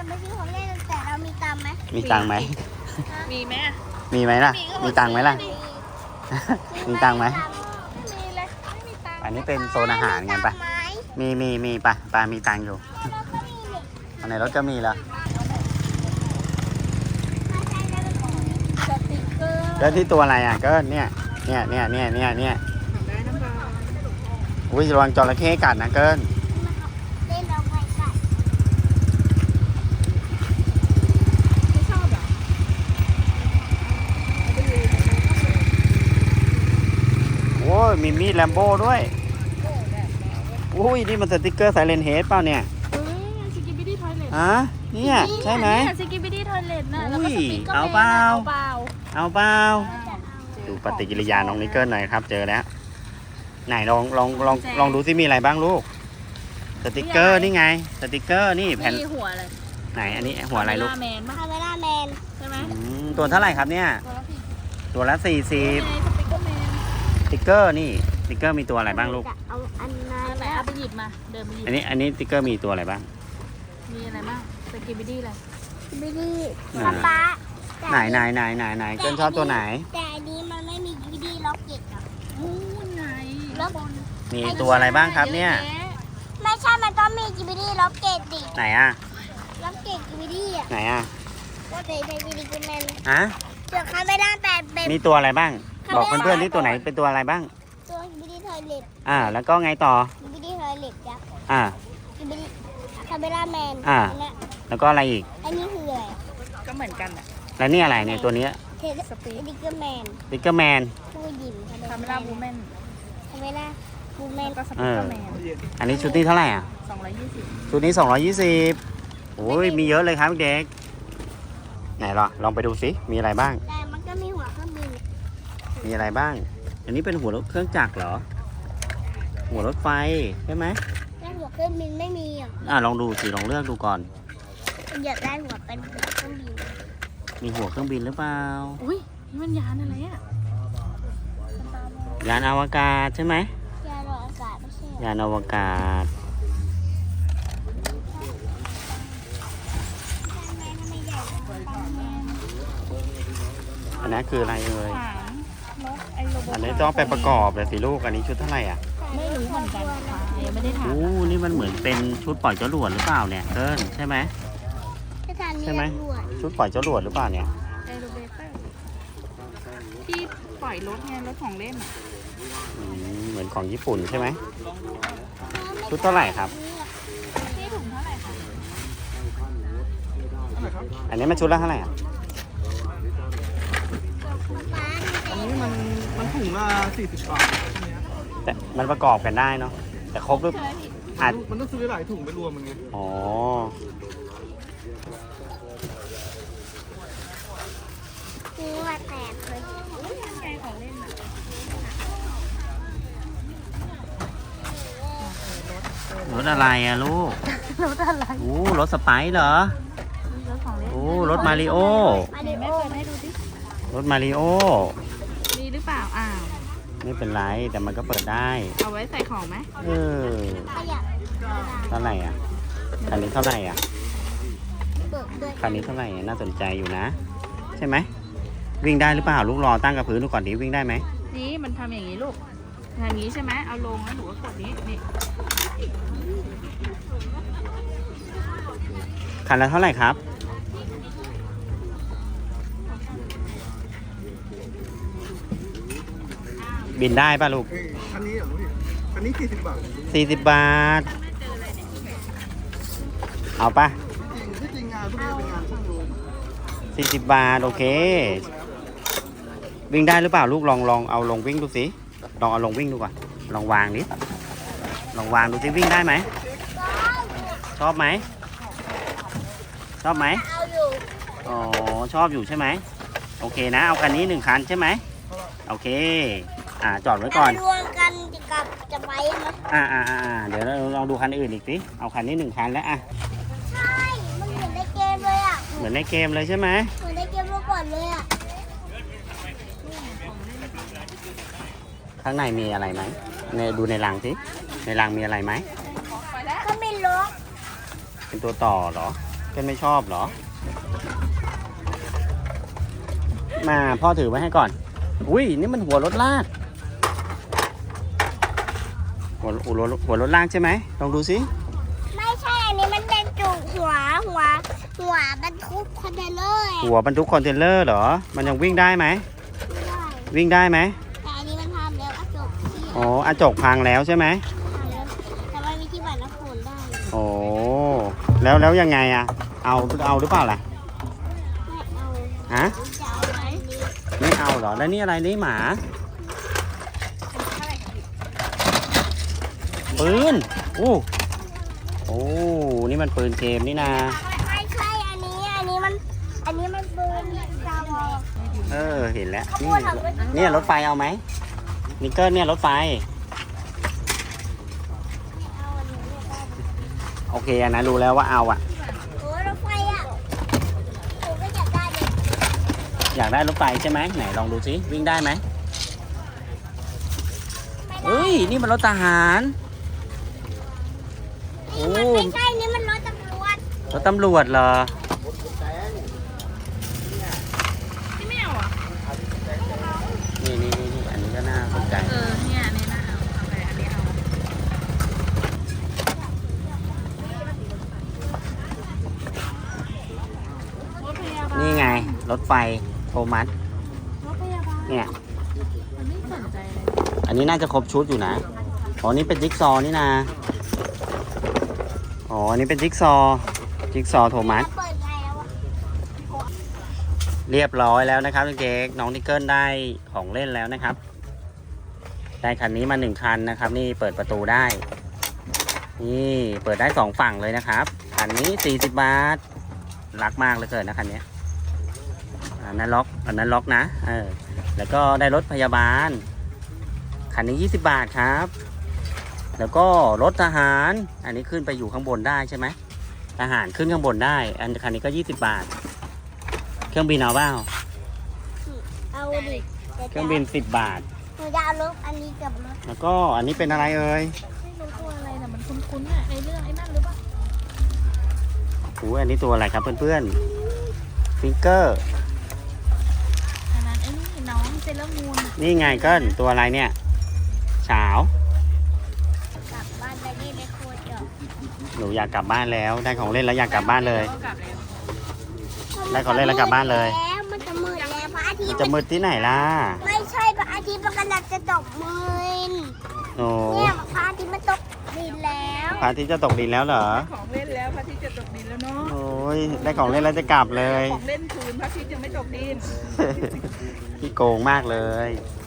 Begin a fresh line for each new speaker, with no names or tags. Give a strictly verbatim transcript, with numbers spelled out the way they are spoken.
ไม่ซื้อของเล่นแต่เรามีตังค์ไหม
มีตังค์ไหม
มีไหม
มีไหมล่ะมีตังค์ไหมล่ะมีตังค์ไหม
มีเลยไม่มีตังค์
อันนี้เป็นโซนอาหารไงปะมีมีมีปะปลามีตังค์อยู่อันไหนรถก็มีแล้ว
สติ๊กเกอร์
แล้วที่ตัวอะไรอ่ะก็เนี่ยเนี่ยเนี่ยเนี่ยเนี่ยเนี่ย
ได้น้ำปลา
อุ้ยระวังจระเข้กัดนะเกิน
เล่นเราไปกัด
ไม่ชอบเหรอ
โอ้ยมีมีดแลมโบ้ด้วยอุ้ยนี่มันสติ๊กเกอร์ไซเลนเฮดเปล่าเนี่ย
เฮ้ยสกิปปี้ดี้ทอยเลท
ฮะเนี่ยใช่ไหม
สกิปปี้ดี้ทอยเลทน่ะแล้ว
อุ้
ก็
ย
สติ๊กเกอร์
เอาเปล่า
เอาเปล่า
เอาเปล่าดูปฏิกิริยาน้องนิกเกิลหน่อยครับเจอแล้วไหนลองลองลองลองดูซิมีอะไรบ้างลูกสติ๊กเกอร์นี่ไงสติ๊กเกอร์นี่แผ่น
มีหัวอะไร
ไหนอันนี้หัวอะไรลูก
คาเมล่าแมนปะ
คาเมล่าแมน
ใช่ไหม
อืมตัวเท่าไหร่ครับเนี่ย
ตัวละสี่
ตัวละสี่สิบ
ไงสติ๊กเกอร์แมน
สติ๊กเกอร์นี่สติ๊กเกอร์มีตัวอะไรบ้างลูก
จะเอาอันนั้
อั
น
นไหนเอาไปหยิบมาเดินไปหยิบ
อันนี้อันนี้สติ๊กเกอร์มีตัวอะไรบ้าง
มีอะไรบ้างสกิปปี้ดี้อะไร
ไม่ได้
อ่า
ป๊าป๊า
ไหนไหนไหนไหนไหนเกินชอบตัวไหน
แต่อันนี้มันไม่มีวิดีล็อกเก็ตอ่ะ
อู้ไง
แล้ว
มีตัวอะไรบ้างครับเนี่ย
ไม่ใช่มันต้องมีจิบิดี้ล็อกเก็ตดิ
ไหนอ่ะ
ล็อกเก็ตจิบิดี้อ่ะ
ไหนอ่ะ
ก็เป็นเป็นจิบิดี้แมน
ฮะ
เดี๋ยวคาเมล่าแปดเป็น
มีตัวอะไรบ้าง บอกเพื่อนๆที่ตัวไหนเป็นตัวอะไรบ้าง
ตัวจิบิดี้ทอยเล็ต
อ่า แล้วก็ไงต่อ
จิบิดี้ทอยเล็ตยักษ์
อ่า
จิบิดี้คาเมล่าแมน
อ่า
นเนี้ย
แล้วก็อะไรอีก
อันนี้คืออะไร
ก็เหมือนกันอ่ะ
แล้วนี่อะไรเนี่ยตัวเนี้ย
เทสสปีดดิกเกอร์แมน
สติ๊กเกอร์แมน
ผู้หญิง
คาเมล่าบูแมน
คาเมล่าบูแมน
แล้วก็สติ๊กเกอร์แมน
อันนี้ชุดนี้เท่าไหร่อ่ะ
สองร้อยยี่สิบ
ชุดนี้สองร้อยยี่สิบโอ้ยมีเยอะเลยครับเด็ก ไหนล่ะลองไปดูสิมีอะไรบ้าง
แต่มันก็มีหัวเครื่องบิน
มีอะไรบ้าง อันนี้เป็นหัวรถเครื่องจักรเหรอ หัวรถไฟใช่ไหม
แต่หัวเครื่องบินไม่มีอ่ะ
อ่าลองดูสิลองเลือกดูก่อน
อยากได้หัวเป็นหัวเครื่องบิน
มีหัวเครื่องบินหรือเปล่า
อุ้ยนี่มันยานอะไรอ่ะ
ยานอวกาศใช่ไหม
ยานอวกาศไม่ใช่
ยานอวกาศ
แมนทำไมใหญ่จัง
อันนั้นคืออะไรเอ่ย
ถามรถไอ้โรบอท
อันนี้ต้องไปประกอบเลยสิลูก อันนี้ชุดเท่าไหร่อ่ะ
ไม่รู้เหมือนกันค่ะยังไม่ได้ถาม
โอ้นี่มันเหมือนเป็นชุดปล่อยจรวดหรือเปล่าเนี่ยเกินใช่ไหม
สถานี
ใช่ไหม
ตำรวจ
ชุดปล่อยจรวดหรือเปล่าเนี่ย
เอโรเบเตอร์ที่ปล่อยรถไงรถของเล่นอะ
อืมเหมือนของญี่ปุ่นใช่ไหม ชุดเท่าไหร่ครับ
ที่ถุงเท่าไหร่คะ
อันนี้มันชุดละเท่าไหร่อ่ะ
อันนี้มันมันถุงละสี่สิบบาท
แต่มันประกอบกันได้เนาะ แต่ครบหรืออาจ
มันต้องซื้อหลายถุงไปรวมมันไง
อ๋อ
หัวแตกเลย
แกของเล่นอะ
รถอะไรอ่ะลูก
รถอะไร
โอ้รถสไปซ์เหรอ
รถของเล่น
โอ้รถมาริโอ
มา
ไหน
ริ
แม่
โอ
เปิดให้ดูดิ
รถมาริโอ
มีหรือเปล่าอ้าว
ไม่เป็นไร แต่มันก็เปิดได้
เอาไว้ใส่ของไหม
เออ
ขยับ
เท่าไหร่อ่ะ คันนี้เท่าไหร่อ่ะ
เบิกด้วย
คันนี้เท่าไหร่น่าสนใจอยู่นะ ใช่ไหม วิ่งได้หรือเปล่าลูกรอตั้งกับพื้นดูก่อนดิวิ่งได้ไหม
นี่มันทำอย่างนี้ลูกอย่างนี้ใช่ไหมเอาลงแล้วหนูก็กดนี้นี่
คันละเท่าไหร่ครับ บินได้ป่ะลูก
เอ้ยอันนี้เหรอพี่อันนี้สี่สิบบาท
สี่สิบบาท เอาป่ะ
จริงที่จริงงานพวกนี้เป็นงานช่างโรง
สี่สิบบาท โอเค วิ่งได้หรือเปล่าลูกลองลองเอาลงวิ่งดูสิ ลองเอาลงวิ่งดูก่อน ลองวางดิ ลองวางดูสิวิ่งได้ไหม ชอบไหม ชอบไหม
เอาอยู่
อ๋อ ชอบอยู่ใช่ไหม โอเคนะ เอาคันนี้หนึ่งคันใช่ไหม โอเค อ่า จอดไว้ก่อน
รวมกันกับจะไปไหม
อ่าอ่าอ่าเดี๋ยวเราลองดูคันอื่นอีกสิ เอาคันนี้หนึ่งคันแล้วอ่ะ
ใช่ มันเหมือนในเกมเลยอ่ะ
เหมือนในเกมเลยใช่ไหม
เหมือนในเกมเมื่อก่อนเลยอ่ะ
ข้างในมีอะไรไหมในดูในรังสิ ในรังมีอะไรไหม
ก็ไม่ล็อก
เป็นตัวต่อเหรอ
ใ
เกินไม่ชอบเหรอ มาพ่อถือไว้ให้ก่อน อุ้ยนี่มันหัวรถลากหัวหัวรถหัวรถลากใช่ไหมลองดูสิ
ไม่ใช่อันนี้มันเป็นจุกหัวหัวหัวบรรทุกคอนเทนเนอร์อะ
หัวบรรทุกคอนเทนเนอร์เหรอ มันยังวิ่งได้ไหม
ไม่ได้
วิ่งได้ไหม
แต่อันนี้มันทำแล้วกระจกที่
อ๋ออาจกพังแล้วใช่ไหม
ทำแล้วแต่มันมีที่บัตรน้ำฝนได้
โอ้แล้วแล้วยังไงอะเอาเอาหรือเปล่าล่ะ
ไม่เอา
ฮะ
จะเอาไหนดี
ไม่เอาเหรอ แล้วนี่อะไรนี่หมา ปืนอู้โอ้ นี่มันปืนเกมนี่นา
ไม่ใช่อันนี้อันนี้มันอันนี้มันปืนดาวอ
เออ เห็นแล้ว นี่เนี่ยรถไฟเอาไหมนิกเกิลเนี่ยรถไฟ
เอาอันนี้ไม่ได้
โอเคอันนั้นรู้แล้วว่าเอาอะ
โอ้รถไฟอ่ะผมก็อยากได้เลย
อยากได้รถไฟใช่ไหมไหนลองดูสิวิ่งได้ไหม
ไม่ได้
เฮ้ย นี่มันรถทหาร โอ้
นี่มันไม่ใช่นี่มันรถตำรวจ
รถตำรวจเหรอ
ที่ไม่เอาอ่ะ
นี่นี่นี่นี่อันนี้ก็น่าสนใจ
เออเนี่ยอันนี้น่าเอาเอาไปอันนี้เอารถพยาบาล
นี่ไง รถไฟโทมัส
รถพยาบาล
เนี่ย
มันไม่สนใจเลย
อันนี้น่าจะครบชุดอยู่นะ อ๋อ นี่เป็นจิ๊กซอว์นี่นะ อ๋อ อันนี้เป็นจิ๊กซอว์จิ๊กซอว์โทมัส
เปิดไงแล้วอ่ะ
เรียบร้อยแล้วนะครับเด็กๆน้องนิกเกิลได้ของเล่นแล้วนะครับ ได้คันนี้มาหนึ่งคันนะครับ นี่เปิดประตูได้ นี่เปิดได้สองฝั่งเลยนะครับ คันนี้สี่สิบบาท รักมากเหลยเกินนะคันนี้อันนั้นล็อก อันนั้นล็อกนะ เออ แล้วก็ได้รถพยาบาล คันนี้ยี่สิบบาทครับ แล้วก็รถทหาร อันนี้ขึ้นไปอยู่ข้างบนได้ใช่ไหมทหารขึ้นข้างบนได้ อันคันนี้ก็ยี่สิบบาท เครื่องบินเอาเปล่า
เอาดิ
เครื่องบินสิบบาท
หนูจะเอารถอันนี้กับรถ
แล้วก็อันนี้เป็นอะไรเอ่ย
ไม่รู้ตัวอะไรแต่มันคุ้นๆอ่ะในเรื่องไอ้นั่นหรือเปล่า
โอ้ยอันนี้ตัวอะไรครับเพื่อนๆฟิงเกอร์
อันนั้นไอ้นี่น้องเซเลอร์มูน
นี่ไงเกิลตัวอะไรเนี่ยเฉาว
กลับบ้านไปนี่ไม่โคตรจบ
หนูอยากกลับบ้านแล้ว ได้ของเล่นแล้วอยากกลับบ้านเลย
ก็กลับแล้ว
ได้ของเล่นแล้วกลับบ้านเลย
แล้วมันจะมืดแล้วพระอาทิต
มัน
ย์
จะมืดที่ไหนล่ะ
ไม่ใช่พระอาทิตย์มันกำลังจะตกมืน
โอ้
เนี่ยพระอาทิตย์มันตกดินแล้ว
พระอาทิตย์จะตกดินแล้วเหรอ
ของเล่นแล้วพระอาทิตย์จะตกดินแล้วเนาะ
โอ้ยได้ของเล่นแล้วจะกลับเลย
ของเล่นคืนพระอาทิตย์ยังไม่ตกดิน
พี่โกงมากเลย
พ